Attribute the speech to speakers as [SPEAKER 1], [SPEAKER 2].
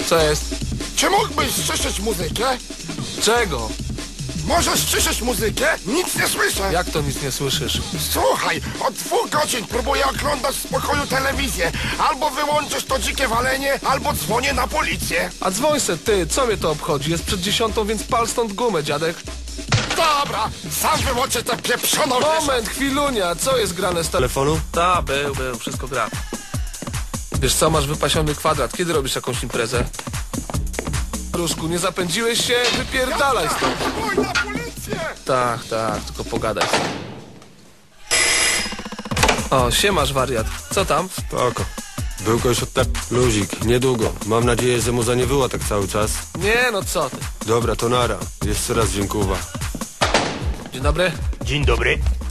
[SPEAKER 1] Co jest?
[SPEAKER 2] Czy mógłbyś ściszyć muzykę?
[SPEAKER 1] Czego?
[SPEAKER 2] Możesz ściszyć muzykę? Nic nie słyszę.
[SPEAKER 1] Jak to nic nie słyszysz?
[SPEAKER 2] Słuchaj, od 2 godzin próbuję oglądać w spokoju telewizję. Albo wyłączysz to dzikie walenie, albo dzwonię na policję.
[SPEAKER 1] A dzwoń se, ty, co mnie to obchodzi? Jest przed 10, więc pal stąd gumę, dziadek.
[SPEAKER 2] Dobra, sam wyłączę tę pieprzoną...
[SPEAKER 1] Moment, chwilunia, co jest grane z telefonu? Ta, był, wszystko gra. Wiesz co, masz wypasiony kwadrat, kiedy robisz jakąś imprezę? Różku, nie zapędziłeś się? Wypierdalaj stąd.
[SPEAKER 2] Dzwoń na policję!
[SPEAKER 1] Tak, tylko pogadaj. O, siemasz wariat. Co tam?
[SPEAKER 3] Spoko. Był ktoś od luzik, niedługo. Mam nadzieję, że mu za nie było tak cały czas.
[SPEAKER 1] Nie, no co ty.
[SPEAKER 3] Dobra, to nara. Jeszcze raz dziękuję.
[SPEAKER 1] Dzień dobry.
[SPEAKER 4] Dzień dobry.